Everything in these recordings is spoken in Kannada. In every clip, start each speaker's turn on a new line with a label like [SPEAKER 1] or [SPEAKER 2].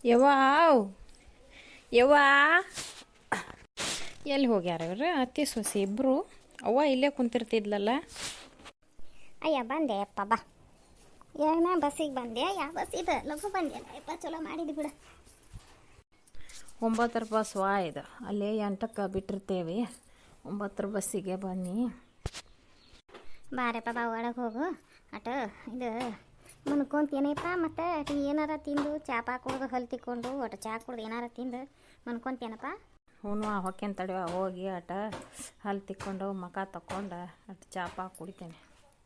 [SPEAKER 1] ಯವ್ವಾವ್ ಯವ್ವಾ ಎಲ್ಲಿ ಹೋಗ್ಯಾರ ಇವ್ರು ಅತ್ತಿ ಸೊಸೆ ಇಬ್ಬರು. ಅವ್ವ ಇಲ್ಲೇ ಕುಂತಿರ್ತಿದ್ಲಲ್ಲ.
[SPEAKER 2] ಅಯ್ಯ ಬಂದೆ ಅಪ್ಪ ಬಾ. ಏನ ಬಸ್ಸಿಗೆ ಬಂದೆ? ಯಾವ ಬಸ್ ಇದು? ಲಘು ಬಂದೆ ಅಪ್ಪ, ಚಲೋ ಮಾಡಿದ್ದು ಬಿಡು.
[SPEAKER 1] 9 ಬಸ್ ವಾ ಇದು. ಅಲ್ಲೇ 8ಕ್ಕೆ ಬಿಟ್ಟಿರ್ತೇವೆ. 9 ಬಸ್ಸಿಗೆ ಬನ್ನಿ.
[SPEAKER 2] ಬಾರಪ್ಪ ಬಾ, ಒಳಗೆ ಹೋಗು. ಅಟ ಇದು ಮನ್ಕೊಂತೇನಪ್ಪ. ಮತ್ತು ಅಟಿ ಏನಾರ ತಿಂದು ಚಾಪಾ ಕುಡ್ದು ಹಲ್ ತಿಕ್ಕೊಂಡು ಒಟ್ಟು ಚಾ ಕುಡ್ದು ಏನಾರ ತಿಂದು ಮನ್ಕೊಂತೇನಪ್ಪ.
[SPEAKER 1] ಹ್ಞೂ ಹೊಕ್ಕೇನು ತಡೆವ ಹೋಗಿ ಅಟ ಹಲ್ ತಿಕ್ಕೊಂಡು ಮಖ ತಕ್ಕೊಂಡು ಅಟ್ ಚಾಪಾ ಕುಡಿತೇನೆ.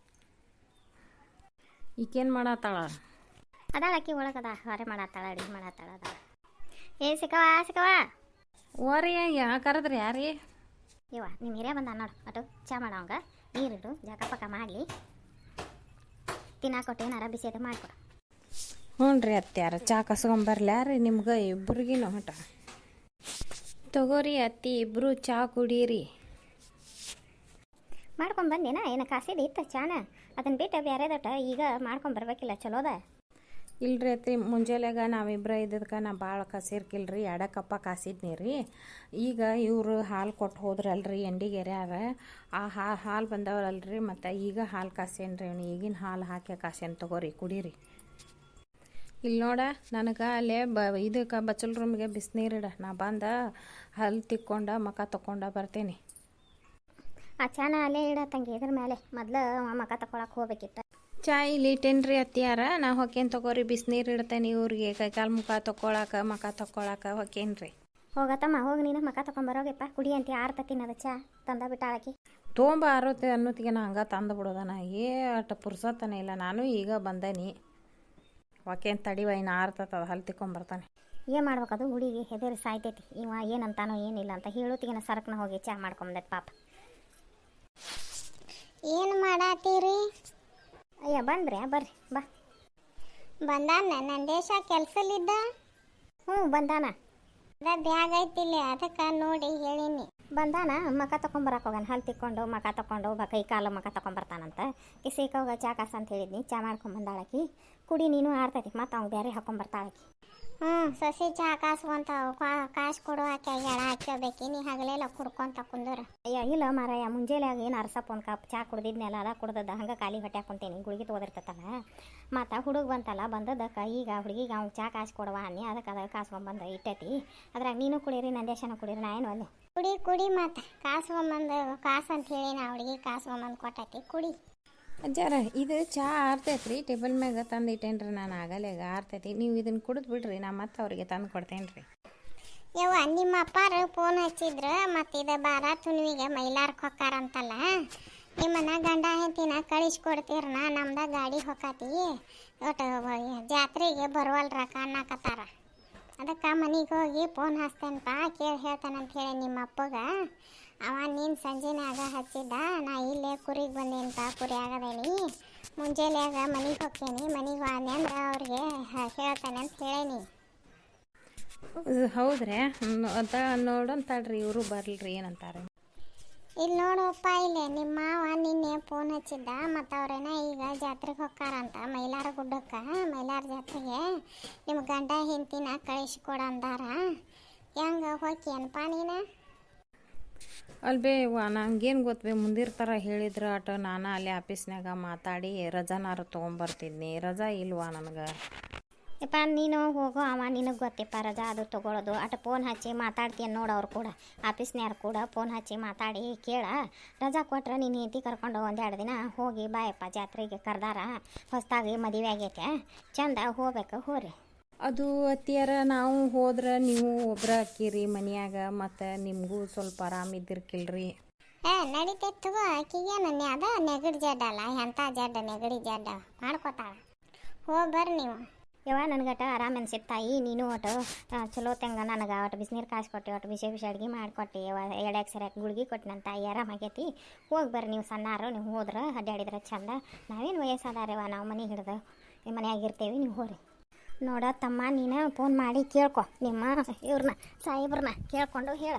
[SPEAKER 1] ಈಕೇನು ಮಾಡತ್ತಾಳ?
[SPEAKER 2] ಅದಾಳ ಅಕ್ಕಿ ಒಳಗದ ಹೊರೆ ಮಾಡತ್ತಾಳ, ಅಡುಗೆ ಮಾಡತ್ತಾಳ. ಅದಾಳ. ಏ ಸಿಕ್ಕವ ಸಿಕ್ಕವ
[SPEAKER 1] ಓರಿ ಕರೆದ್ರಿ ಯಾರೀ?
[SPEAKER 2] ಇವ ನಿಮ್ಮ ಹಿರಿಯ ಬಂದ ನೋಡು. ಅಟು ಚಾ ಮಾಡವಂಗ ನೀರಿಡು, ಜಾಕ ಪಕ್ಕ ಮಾಡಲಿ, ತಿನ್ನಾಕೊಟ್ಟು ಏನಾರ ಬಿಸಿದು ಮಾಡಿಕೊಡು.
[SPEAKER 1] ಹ್ಞೂ ರೀ ಅತ್ಯಾರ ಚಾ ಕಸ್ಕೊಂಬರ್ಲ್ಯಾರ ನಿಮ್ಗೆ ಇಬ್ಬರಿಗಿನ ಹೊಟ ತಗೋರಿ ಅತ್ತಿ, ಇಬ್ಬರು ಚಾ ಕುಡೀರಿ.
[SPEAKER 2] ಮಾಡ್ಕೊಂಡು ಬಂದೇನ? ಏನು ಕಾಸಿದ ಇತ್ತು ಚಾನ? ಅದನ್ನು ಬಿಟ್ಟು ಬೇರೆದಟ ಈಗ ಮಾಡ್ಕೊಂಬರ್ಬೇಕಿಲ್ಲ, ಚಲೋದ.
[SPEAKER 1] ಇಲ್ರಿ ಅತ್ತಿ, ಮುಂಜಾನೆಗ ನಾವಿಬ್ಬರ ಇದ್ದದಕ್ಕೆ ನಾ ಭಾಳ ಕಸಿರ್ಕಿಲ್ರಿ, 2 ಕಪ್ಪ ಕಾಸಿದ್ನಿ ರೀ. ಈಗ ಇವರು ಹಾಲು ಕೊಟ್ಟು ಹೋದ್ರಲ್ರಿ ಎಂಡಿಗೆರ್ಯಾರ, ಆ ಹಾಲು ಬಂದವಲ್ರಿ, ಮತ್ತು ಈಗ ಹಾಲು ಕಾಸೇನ್ರಿ. ಅವ್ನು ಈಗಿನ ಹಾಲು ಹಾಕಿ ಕಾಸೇನು ತಗೋರಿ, ಕುಡೀರಿ. ಇಲ್ಲಿ ನೋಡ, ನನಗೆ ಅಲ್ಲೇ ಇದಕ್ಕೆ ಬಚ್ಚಲ್ ರೂಮಿಗೆ ಬಿಸಿನೀರಿಡ, ನಾ ಬಂದ ಹಲ್ ತಿಕ್ಕೊಂಡ ಮಖ ತಕ್ಕೊಂಡ ಬರ್ತೇನೆ.
[SPEAKER 2] ಆ ಚಾನ ಅಲ್ಲೇ ಇಡ ತಂಗಿ, ಇದ್ರ ಮೇಲೆ ಮೊದ್ಲು ಮಖ ತಗೊಳಕ್ಕೆ ಹೋಗ್ಬೇಕಿತ್ತು.
[SPEAKER 1] ಚಾ ಇಲ್ಲಿ ಇಟ್ಟೇನ್ರಿ ಅತ್ತಿಯಾರ, ನಾ ಹೊಕ್ಕೇನು ತಗೋರಿ, ಬಿಸಿನೀರು ಇಡ್ತೇನೆ ಇವ್ರಿಗೆ ಕೈಕಾಲು ಮುಖ ತಕ್ಕೊಳಕ್ಕೆ ಮಖ ತಕ್ಕೊಳಕ್ಕೆ ಹೊಕ್ಕೇನ್ರಿ.
[SPEAKER 2] ಹೋಗತ್ತಮ್ಮ ಹೋಗಿ, ನೀನು ಮಖ ತಗೊಂಬರೋಗಪ್ಪ. ಕುಡಿ ಅಂತ ಆರ್ತತಿನ ಅದು ಚಾ ತಂದ ಬಿಟ್ಟಾಳಕಿ.
[SPEAKER 1] ತೊಗೊಂಬ ಆರುತ್ತೆ ಅನ್ನೋತ್ತಿಗೆ ನಾ ಹಂಗೆ ತಂದು ಬಿಡೋದನ, ಅಷ್ಟು ಪುರ್ಸತ್ತನೇ ಇಲ್ಲ. ನಾನು ಈಗ ಬಂದೇನಿ, ಹೊಕ್ಕೇನು ತಡಿವ, ಇನ್ನು ಆರ್ತದ ಹಲ್ ತಿಕ್ಕೊಂಬರ್ತಾನೆ.
[SPEAKER 2] ಏನು ಮಾಡ್ಬೇಕದು? ಹುಡುಗಿ ಹೆದರಿ ಸಾಯ್ತೈತಿ. ಇವ ಏನಂತಾನೋ ಏನಿಲ್ಲ ಅಂತ ಹೇಳೋತಿಗೆ ಸರಕ್ನ ಹೋಗಿ ಚಾ ಮಾಡ್ಕೊಂಬಂದೈತೆ ಪಾಪ. ಏನು ಮಾಡತ್ತೀರಿ? ಅಯ್ಯ ಬಂದ್ರಿ, ಬರ್ರಿ ಬಾ. ಬಂದಾನ ನಂದೇಶ ಕೆಲ್ಸಲಿದ್ದ? ಹ್ಞೂ ಬಂದಾನ. ಅದ ಬ್ಯಾಗ್ ಐತಿಲ್ಲ, ಅದಕ್ಕೆ ನೋಡಿ ಹೇಳಿನಿ. ಬಂದಾನ ಮಖ ತಗೊಂಬರಕ್ಕೆ ಹೋಗಾನ, ಹಲ್ ತಿಕ್ಕೊಂಡು ಮಖ ತಗೊಂಡು ಕೈ ಕಾಲು ಮಖ ತಗೊಂಬರ್ತಾನಂತ. ಕಿಸಿಕ ಹೋಗ ಚಾ ಕಾಸ ಅಂತ ಹೇಳಿದ್ನಿ, ಚಾ ಮಾಡ್ಕೊಂಬಂದಾಳಕಿ. ಕುಡಿ ನೀನು ಆರ್ತೈತಿ, ಮತ್ತು ಅವ್ನು ಬೇರೆ ಹಾಕೊಂಬರ್ತಾಳಕಿ. ಸಸಿ ಚಾ ಕಾಸುವಂತ ಕಾಸು ಕೊಡು, ಹಾಕಿ ಎಳ ಹಾಕೋಬೇಕಿ. ನೀ ಹಗಲೆಲ್ಲ ಕುಡ್ಕೊಂತ ಕುಂದೂರ. ಅಯ್ಯ ಇಲ್ಲ ಮಾರಾಯ, ಮುಂಜಾನೆ ಏನು ಅರ್ಸಪ್ಪ ಒಂದು ಕಪ್ ಚಾ ಕುಡ್ದಿದ್ನೆಲ್ಲ, ಅದ ಕುಡ್ದದ ಹಂಗೆ ಖಾಲಿ ಹೊಟ್ಟೆ ಹಾಕೊಂತೇನಿ. ಗುಳಿಗೆ ತೊಗೋದಿರ್ತತಲ್ಲ, ಮತ್ತು ಹುಡುಗ ಬಂತಲ್ಲ, ಬಂದದಕ್ಕೆ ಈಗ ಹುಡುಗಿಗೆ ಅವ್ನು ಚಾ ಕಾಸು ಕೊಡುವ ಅನ್ನಿ, ಅದಕ್ಕೆ ಅದ ಕಾಸ್ಕೊಂಬಂದು ಇಟ್ಟೈತಿ. ಅದ್ರಾಗ ನೀನು ಕುಡೀರಿ, ನಂದೇಶನ ಕುಡೀರಿ, ನಾ ಏನು ಅಲ್ಲಿ ಕುಡಿ ಕುಡಿ. ಮತ್ತು ಕಾಸ್ಕೊಂಬಂದು ಕಾಸು ಅಂತ ಹೇಳಿ ನಾ ಹುಡುಗಿ ಕಾಸ್ಕೊಂಬಂದು ಕೊಟ್ಟೈತಿ, ಕುಡಿ.
[SPEAKER 1] ಅಜ್ಜಾರ ಇದು ಚಾ ಆರ್ತೈತೆ ರೀ, ಟೇಬಲ್ ಮ್ಯಾಗ ತಂದು ಇಟ್ಟೇನ್ರಿ ನಾನು, ಆಗಲೇ ಆರ್ತೈತಿ. ನೀವು ಇದನ್ನು ಕುಡಿದು ಬಿಡ್ರಿ, ನಾ ಮತ್ತೆ ಅವ್ರಿಗೆ ತಂದು ಕೊಡ್ತೇನೆ ರೀ.
[SPEAKER 2] ಯವ್ವ ನಿಮ್ಮ ಅಪ್ಪಾರು ಫೋನ್ ಹಚ್ಚಿದ್ರು, ಮತ್ತು ಇದು ಬಾರ ತುನ್ವಿಗೆ ಮೈಲಾರಕ್ಕೆ ಹೊಕ್ಕಾರಂತಲ್ಲ, ನಿಮ್ಮನ್ನ ಗಂಡ ಹೆಂಡತಿನ ಕಳಿಸ್ಕೊಡ್ತೀರನ, ನಮ್ದ ಗಾಡಿ ಹೊಕ್ಕಾತಿ, ಒಟ್ಟು ಜಾತ್ರೆಗೆ ಬರುವಲ್ರಕ್ಕ ಅನ್ನಕತ್ತಾರ. ಅದಕ್ಕೆ ಮನೆಗೆ ಹೋಗಿ ಫೋನ್ ಹಚ್ತೇನಪ್ಪ, ಕೇಳಿ ಹೇಳ್ತಾನಂತ ಹೇಳಿ ನಿಮ್ಮ ಅಪ್ಪಗ. ಅವ ನೀನು ಸಂಜೆನಾಗ ಹಚ್ಚಿದ್ದ, ನಾ ಇಲ್ಲೇ ಕುರಿಗೆ ಬಂದೇನಪ್ಪ, ಕುರಿ ಆಗದೇನಿ, ಮುಂಜಾನೆಯಾಗ ಮನೆಗೆ ಹೋಗ್ತೇನೆ, ಮನೆಗೆ ಹೋದೆ ಅಂದ್ರೆ ಅವ್ರಿಗೆ ಹೇಳ್ತಾನೆ ಅಂತ ಹೇಳೇನಿ.
[SPEAKER 1] ಹೌದ್ರಿ ಅಂತ ನೋಡಂತಾಳ್ರಿ, ಇವರು ಬರ್ಲ್ರಿ ಏನಂತಾರೆ.
[SPEAKER 2] ಇಲ್ಲಿ ನೋಡಪ್ಪ, ಇಲ್ಲೇ ನಿಮ್ಮ ಮಾವ ನಿನ್ನೆ ಫೋನ್ ಹಚ್ಚಿದ್ದ, ಮತ್ತು ಅವ್ರೇನ ಈಗ ಜಾತ್ರೆಗೆ ಹೊಕ್ಕಾರಂತ ಮೈಲಾರ ಗುಡ್ಡಕ್ಕೆ, ಮೈಲಾರ ಜಾತ್ರೆಗೆ ನಿಮ್ಮ ಗಂಡ ಹೆಂಡತಿನ ಕಳಿಸ್ಕೊಡ ಅಂದಾರ. ಹೆಂಗೆ ಹೋಗಿ ಏನಪ್ಪ ನೀನು?
[SPEAKER 1] ಅಲ್ಬೇ ನಂಗೇನು ಗೊತ್ತಬೇ, ಮುಂದಿರ್ತಾರ ಹೇಳಿದ್ರೆ ಅಟ ನಾನು ಅಲ್ಲಿ ಆಫೀಸ್ನಾಗ ಮಾತಾಡಿ ರಜಾನಾರು ತೊಗೊಂಬರ್ತಿದ್ನಿ. ರಜಾ ಇಲ್ವಾ ನನಗೆ?
[SPEAKER 2] ಯಪ್ಪ ನೀನು ಹೋಗೋ, ಅವ ನಿನಗೆ ಗೊತ್ತಿಪ್ಪ ರಜಾ ಅದು ತೊಗೊಳೋದು. ಅಟ ಫೋನ್ ಹಚ್ಚಿ ಮಾತಾಡ್ತೀನಿ ನೋಡೋರು ಕೂಡ, ಆಫೀಸ್ನ್ಯಾರು ಕೂಡ ಫೋನ್ ಹಚ್ಚಿ ಮಾತಾಡಿ ಕೇಳ. ರಜಾ ಕೊಟ್ರೆ ನೀನು ಹೆಂಡತಿ ಕರ್ಕೊಂಡು 1-2 ದಿನ ಹೋಗಿ ಬಾಯಪ್ಪ, ಜಾತ್ರೆಗೆ ಕರೆದಾರ, ಹೊಸದಾಗಿ ಮದುವೆ ಆಗೈತೆ, ಚಂದ ಹೋಗ್ಬೇಕು, ಹೋರಿ.
[SPEAKER 1] ಅದು ಅತ್ತಿಯಾರ, ನಾವು ಹೋದ್ರೆ ನೀವು ಒಬ್ರ ಅಕ್ಕಿರಿ ಮನ್ಯಾಗ, ಮತ್ತು ನಿಮಗೂ ಸ್ವಲ್ಪ ಆರಾಮಿದ್ದಿರ್ಕಿಲ್ರಿ.
[SPEAKER 2] ನಡೀತೈತೆ ಆಕಿಗೇನು ಅದ ನೆಗಡಿ ಜಡ್ಡ ಅಲ್ಲ, ಎಂಥ ಜಡ್ಡ ನೆಗಡಿ ಜಡ್ಡ ಮಾಡ್ಕೊತಾಳ. ಹೋಗಿ ಬರ್ರಿ ನೀವು. ಯವ್ವ ನನಗಟ ಆರಾಮ ಅನ್ಸಿತ್ತು ತಾಯಿ, ನೀನು ಒಟ್ಟು ಚಲೋ ತಂಗ ನನಗೆ ಒಟ್ಟು ಬಿಸಿನೀರು ಕಾಸು ಕೊಟ್ಟು, ಒಟ್ಟು ಬಿಸಿ ಬಿಸಿ ಅಡುಗೆ ಮಾಡಿಕೊಟ್ಟು, ಎಡೆಗೆ ಸರಿಯಾಗಿ ಗುಳ್ಗಿ ಕೊಟ್ಟು ನನ್ನ ತಾಯಿ ಆರಾಮಾಗೈತಿ. ಹೋಗಿ ಬರ್ರಿ ನೀವು, ಸಣ್ಣಾರು ನೀವು ಹೋದ್ರೆ ಅಡ್ಡಾಡಿದ್ರೆ ಚಂದ. ನಾವೇನು ವಯಸ್ಸಾದಾರವ, ನಾವು ಮನೆ ಹಿಡ್ದು ಮನೆಯಾಗಿರ್ತೇವೆ, ನೀವು ಹೋರಿ. ನೋಡ ತಮ್ಮ, ನೀನು ಫೋನ್ ಮಾಡಿ ಕೇಳ್ಕೊ ನಿಮ್ಮ ಇವ್ರನ್ನ ಸಾಹೇಬ್ರನ್ನ, ಕೇಳ್ಕೊಂಡು ಹೇಳ.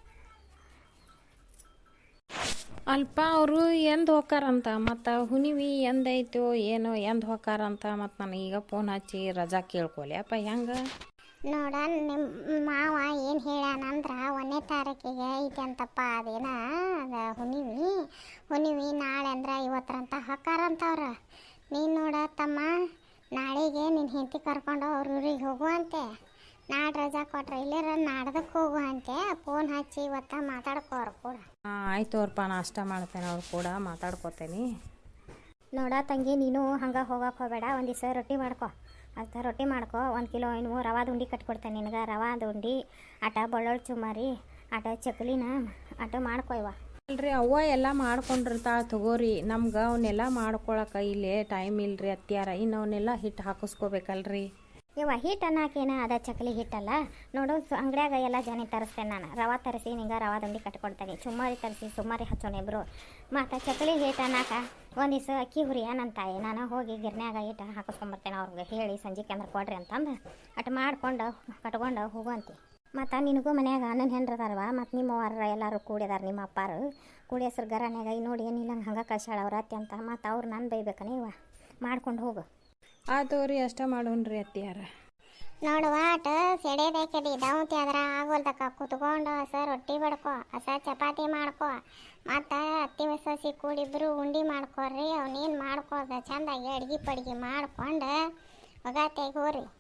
[SPEAKER 1] ಅಲ್ಪ ಅವರು ಎಂದು ಹೋಗ್ತಾರಂತ, ಮತ್ತು ಹುಣಿವಿ ಎಂದೈತೋ ಏನೋ ಎಂದು ಹೋಗ್ತಾರಂತ, ಮತ್ತು ನನಗೆ ಈಗ ಫೋನ್ ಹಚ್ಚಿ ರಜಾ ಕೇಳ್ಕೊಲಿ ಅಪ್ಪ ಹೆಂಗೆ?
[SPEAKER 2] ನೋಡ ನಿಮ್ಮ ಮಾವ ಏನು ಹೇಳ್ಯಾನಂದ್ರ 1ನೇ ತಾರೀಕಿಗೆ ಐತಿ ಅಂತಪ್ಪ ಅದೇನ ಅದ ಹುಣ್ಣಿಮೆ ನಾಳೆ ಅಂದ್ರೆ ಇವತ್ತರಂತ ಹಾಕಾರಂತವ್ರ. ನೀನು ನೋಡ ತಮ್ಮ ನಾಳೆಗೆ ನಿನ್ನ ಹೆಂಡತಿ ಕರ್ಕೊಂಡು ಅವ್ರ ಊರಿಗೆ ಹೋಗುವಂತೆ. ನಾಳೆ ರಜಾ ಕೊಟ್ರೆ ಇಲ್ಲರ ನಾಡ್ದಕ್ಕೆ ಹೋಗುವಂತೆ. ಫೋನ್ ಹಚ್ಚಿ ಇವತ್ತ ಮಾತಾಡ್ಕೋರು ಕೂಡ.
[SPEAKER 1] ಆಯ್ತು ಅವ್ರಪ್ಪ, ನಾಷ್ಟ ಮಾಡ್ತೇನೆ, ಅವ್ರು ಕೂಡ ಮಾತಾಡ್ಕೋತೇನೆ.
[SPEAKER 2] ನೋಡ ತಂಗಿ, ನೀನು ಹಂಗೆ ಹೋಗಕ್ಕೆ ಹೋಗಬೇಡ. ಒಂದು ದಿವಸ ರೊಟ್ಟಿ ಮಾಡ್ಕೊ, ರೊಟ್ಟಿ ಮಾಡ್ಕೊ. 1 ಕಿಲೋ ಇನ್ನು ರವಾದ ಉಂಡೆ ಕಟ್ಕೊಡ್ತೇನೆ ನಿನಗೆ. ರವಾದ ಉಂಡೆ ಆಟ ಬೆಳ್ಳುಳ್ಳಿ ಚುಮ್ಮರಿ ಆಟ ಚಕ್ಲಿನ ಆಟ ಮಾಡ್ಕೊ. ಇವ
[SPEAKER 1] ಅಲ್ರಿ ಅವ್ವ ಎಲ್ಲ ಮಾಡ್ಕೊಂಡಿರ್ತಾಳೆ ತಗೋರಿ. ನಮ್ಗೆ ಅವನ್ನೆಲ್ಲ ಮಾಡ್ಕೊಳಕ್ಕೆ ಇಲ್ಲೇ ಟೈಮ್ ಇಲ್ರಿ ಅತ್ಯಾರ. ಇನ್ನು ಅವನ್ನೆಲ್ಲ ಹಿಟ್ಟು ಹಾಕಿಸ್ಕೋಬೇಕಲ್ರಿ.
[SPEAKER 2] ಇವ ಹಿಟ್ಟು ಅನ್ನೋಕೇನ ಅದ ಚಕ್ಲಿ ಹಿಟ್ಟಲ್ಲ ನೋಡು. ಅಂಗಡ್ಯಾಗ ಎಲ್ಲ ಜನ ತರಿಸ್ತೇನೆ ನಾನು. ರವಾ ತರಿಸಿ ನಿಂಗೆ ರವಾದ ಉಂಡೆ ಕಟ್ಕೊಡ್ತೇನೆ. ಚುಮ್ಮರಿ ತರಿಸಿ ಚುಮ್ಮರಿ ಹಚ್ಚೋಣ ಇಬ್ಬರು. ಮತ್ತು ಚಕ್ಲಿ ಹಿಟ್ಟು ಅನ್ನಕ ಒಂದು ದಿವಸ ಅಕ್ಕಿ ಹುರಿಯ ನನ್ನ ತಾಯಿ. ನಾನು ಹೋಗಿ ಗಿರ್ನ್ಯಾಗ ಹಿಟ್ಟು ಹಾಕಿಸ್ಕೊಂಬರ್ತೇನೆ. ಅವ್ರಿಗೆ ಹೇಳಿ ಸಂಜೆಗೆ ಅಂದ್ರೆ ಕೊಡ್ರಿ ಅಂತಂದು ಅಟ್ ಮಾಡ್ಕೊಂಡು ಕಟ್ಕೊಂಡು ಹೋಗುವಂತೆ. ಮತ್ತು ನಿನಗೂ ಮನ್ಯಾಗ ನನ್ನ ಹೆಂಡ್ರದಾರವ, ಮತ್ತು ನಿಮ್ಮವ್ರ ಎಲ್ಲರೂ ಕೂಡಿದಾರ. ನಿಮ್ಮ ಅಪ್ಪಾರು ಕೂಡಿ ಹೆಸ್ರು ಗರನ್ಯಾಗ ನೋಡಿ ಏನಿಲ್ಲ ಹಂಗೆ ಕಳ್ಸಾಳ ಅವ್ರ ಅತ್ತೆ ಅಂತ. ಮತ್ತು ಅವ್ರು ನಾನು ಬೈಬೇಕನ ಇವ ಮಾಡ್ಕೊಂಡು ಹೋಗು.
[SPEAKER 1] ಆತೋರಿ ಅಷ್ಟ ಮಾಡೋಣ್ರಿ ಅತ್ಯಾರ.
[SPEAKER 2] ನೋಡುವ ಆಟ ಸೆಡೆದೈಕಡಿ ದೌತಿ ಅದ್ರ ಆಗೋಲ್ದಕ್ಕ ಕುತ್ಕೊಂಡು ರೊಟ್ಟಿ ಬಡ್ಕೊ, ಚಪಾತಿ ಮಾಡ್ಕೊ. ಮತ್ತು ಅತ್ತಿ ಸಸಿ ಕೂಡಿಬ್ರು ಉಂಡೆ ಮಾಡ್ಕೊರಿ. ಅವನೇನು ಮಾಡ್ಕೋದ ಚಂದಾಗಿ ಅಡ್ಗೆ ಪಡ್ಗೆ ಮಾಡ್ಕೊಂಡು ಹೋಗತ್ತೆ ಹೋರಿ.